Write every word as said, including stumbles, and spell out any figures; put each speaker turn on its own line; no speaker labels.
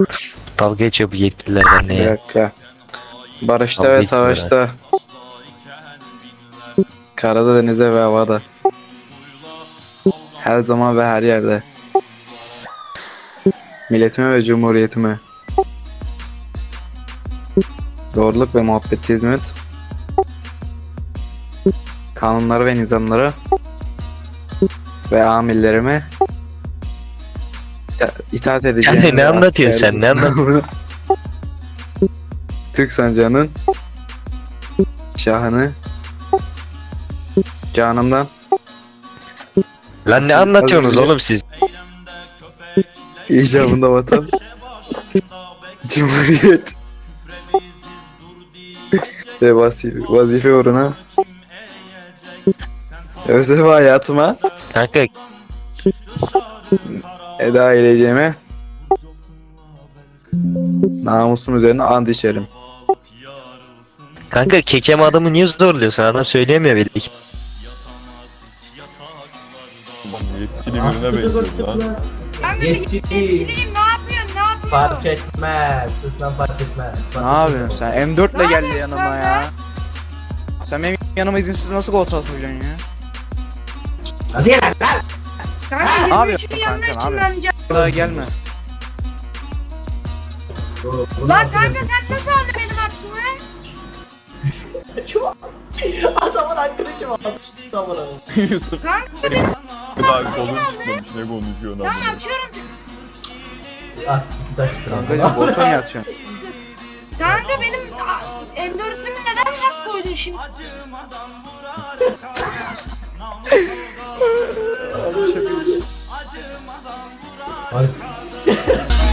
Dalga geçiyor bu yetkililer
Bir
ne ya?
dakika. Barışta
Kavga
ve
etmiyorlar.
savaşta. Karada, denize ve havada. Her zaman ve her yerde. Milletime ve cumhuriyetime. Doğruluk ve muhabbete hizmet. Kanunlara ve nizamlara. Ve amirlerime ita- itaat edeceğim.
Yani ne
ve
anlatıyorsun
asker-
sen, ne anlatıyorsun?
Türk sancağının şahını canımdan
Lan ne
Siz-
anlatıyorsunuz
az önce-
oğlum siz?
icabında vatan cumhuriyet ve vazife, vazife uğruna özel hayatıma
Kanka
eda edeceğime namusum üzerine and içerim.
kanka kekem adamı niye zorluyorsun? Adam söyleyemiyor belli ki.
Yetkili birine benziyor lan.
Ben de yetkiliyim, ne yapıyorsun, ne yapıyorsun?
Fark etmez. Lütfen fark etmez.
Ne yapıyorsun sen? M dört ile geldi yanıma ya. Sen benim yanıma izinsiz nasıl gol atacaksın ya?
Hadi gel lan.
Kanka
Ne
yirmi
yapıyorsun
üçün yanına
kanka, ne
ışınlanacağım.
Daha gelme.
Lan kanka sen nasıl aldın benim aklımı?
Adamın arkadaşı var. Adamın
Yusuf
Kanka benim
daha kolun tutmamış ne konuşuyorsun
tamam
abi.
açıyorum.
Ah, iki taş
Kankacım Bolton yatacaksın.
Kanka benim M dört'ümü neden hak koydun şimdi?
Ay.